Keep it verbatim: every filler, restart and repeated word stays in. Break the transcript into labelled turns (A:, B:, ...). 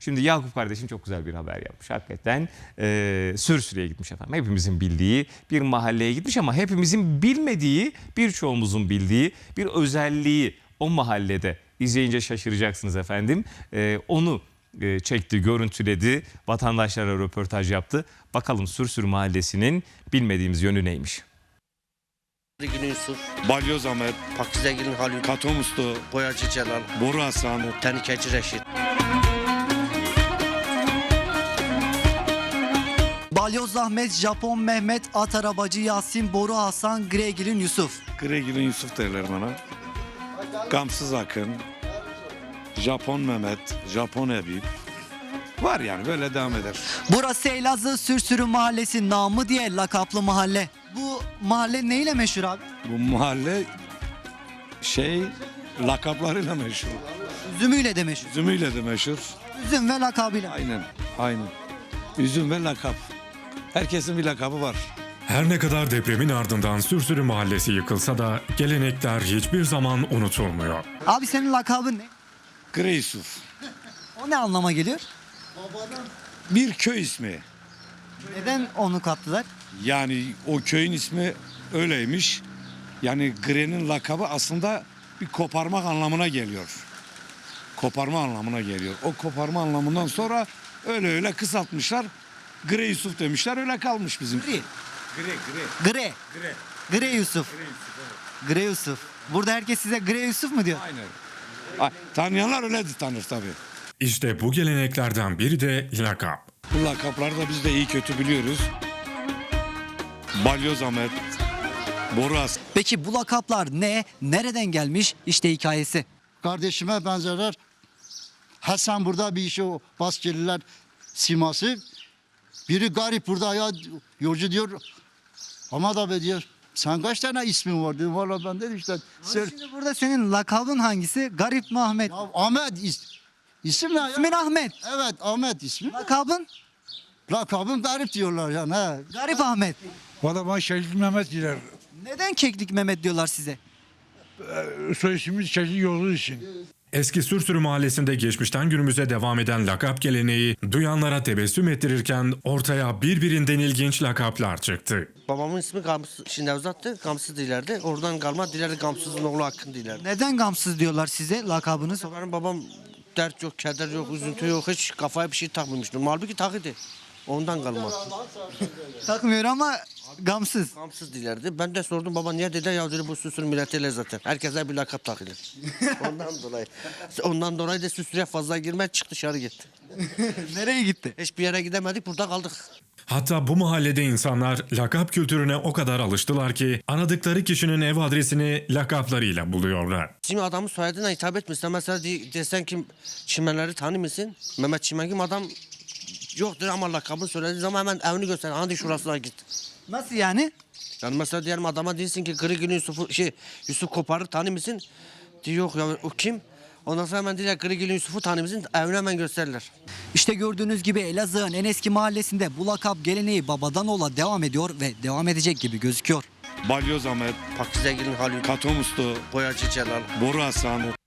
A: Şimdi Yakup kardeşim çok güzel bir haber yapmış. Hakikaten e, Sürsürü'ye gitmiş efendim. Hepimizin bildiği bir mahalleye gitmiş ama hepimizin bilmediği, birçoğumuzun bildiği bir özelliği o mahallede. İzleyince şaşıracaksınız efendim. E, onu e, çekti, görüntüledi, vatandaşlara röportaj yaptı. Bakalım Sürsürü mahallesinin bilmediğimiz yönü neymiş?
B: Günü Yusuf,
C: Balyoz Ahmet,
B: Pakizegil'in Halil,
C: Katom Usta,
B: Boyacı Celal,
C: Boru Hasan,
B: Tenikeci Reşit.
D: Balyoz Ahmet, Japon Mehmet, At Arabacı Yasin, Boru Hasan, Gregil'in Yusuf.
C: Gregil'in Yusuf derler bana. Gamsız Akın, Japon Mehmet, Japon Ebip. Var yani böyle devam eder.
D: Burası Elazığ Sürsürü Mahallesi, namı diye lakaplı mahalle. Bu mahalle neyle meşhur abi?
C: Bu mahalle şey lakaplarıyla meşhur.
D: Üzümüyle de meşhur.
C: Üzümüyle de meşhur.
D: Üzüm ve lakabıyla.
C: Aynen, aynen. Üzüm ve lakap. Herkesin bir lakabı var.
E: Her ne kadar depremin ardından Sürsürü Mahallesi yıkılsa da gelenekler hiçbir zaman unutulmuyor.
D: Abi senin lakabın ne?
C: Grey Yusuf.
D: O ne anlama geliyor?
C: Bir köy ismi.
D: Neden onu kattılar?
C: Yani o köyün ismi öyleymiş. Yani Grey'nin lakabı aslında bir koparmak anlamına geliyor. Koparma anlamına geliyor. O koparma anlamından sonra öyle öyle kısaltmışlar. Grey Yusuf demişler, öyle kalmış bizim.
D: Gri.
C: Grey, Grey.
D: Gre.
C: Grey.
D: Gre Yusuf. Gre Yusuf. Burada herkes size Gre Yusuf mu diyor?
C: Aynen. Ay, tanıyanlar öyle tanır tabii.
E: İşte bu geleneklerden biri de lakap.
C: Bu lakapları da biz de iyi kötü biliyoruz. Balyoz Ahmet, Boru Hasan.
D: Peki bu lakaplar ne? Nereden gelmiş? İşte hikayesi.
F: Kardeşime benzerler. Hasan burada bir işi o Baskeliler siması. Biri garip burada ya yolcu diyor. Ama da be diyor. Sen kaç tane ismin var dedim. Valla ben dedim işte.
D: Abi
F: Sır.
D: şimdi burada senin lakabın hangisi? Garip mi Ahmet?
F: Ya Ahmet is, isim ne ya?
D: İsmin Ahmet.
F: Evet Ahmet ismi.
D: Lakabın?
F: Lakabım garip diyorlar yani. He.
D: Garip Ahmet.
G: Valla bana Şehit Mehmet diler.
D: Neden Keklik Mehmet diyorlar size?
G: Soy ismimiz Şehit yolu için.
E: Eski Sürsürü Mahallesi'nde geçmişten günümüze devam eden lakap geleneği duyanlara tebessüm ettirirken ortaya birbirinden ilginç lakaplar çıktı.
B: Babamın ismi Gamsız, şimdi uzattı, Gamsız dilerdi. Oradan kalma dilerdi, Gamsız'ın oğlu Hakkın dilerdi.
D: Neden gamsız diyorlar size lakabınız?
B: Benim babam dert yok, keder yok, üzüntü yok, hiç kafaya bir şey takmamıştı. Halbuki takıydı. Ondan kalma.
D: Takmıyor ama gamsız.
B: Gamsız dilerdi. Ben de sordum baba niye dedi ya dedi bu Süsürü milletiyle zaten. Herkese bir lakap takılır. Ondan dolayı. Ondan dolayı da Süsürü'ye fazla girmez çık dışarı gitti.
D: Nereye gitti?
B: Hiçbir yere gidemedik burada kaldık.
E: Hatta bu mahallede insanlar lakap kültürüne o kadar alıştılar ki aradıkları kişinin ev adresini lakaplarıyla buluyorlar.
B: Şimdi adamın soyadına hitap etmişsen mesela de, desen ki Çimenleri tanır mısın? Mehmet Çimen kim adam yoktur ama lakabını söylediği zaman hemen evini göster. Hadi şurasına git.
D: Nasıl yani?
B: Yani mesela diyelim adama değilsin ki Grigil'in Yusuf'u şey Yusuf Kopar'ı tanır mısın? Diyor yok ya o kim? Ondan sonra hemen diyorlar Grigil'in Yusuf'u tanır mısın? Evini hemen gösterirler.
D: İşte gördüğünüz gibi Elazığ'ın en eski mahallesinde bu lakap geleneği babadan oğula devam ediyor ve devam edecek gibi gözüküyor.
C: Balyoz Ahmet,
B: Pakizegil'in Halil,
C: Katom Usta,
B: Boyacı Celal.
C: Boru Hasan.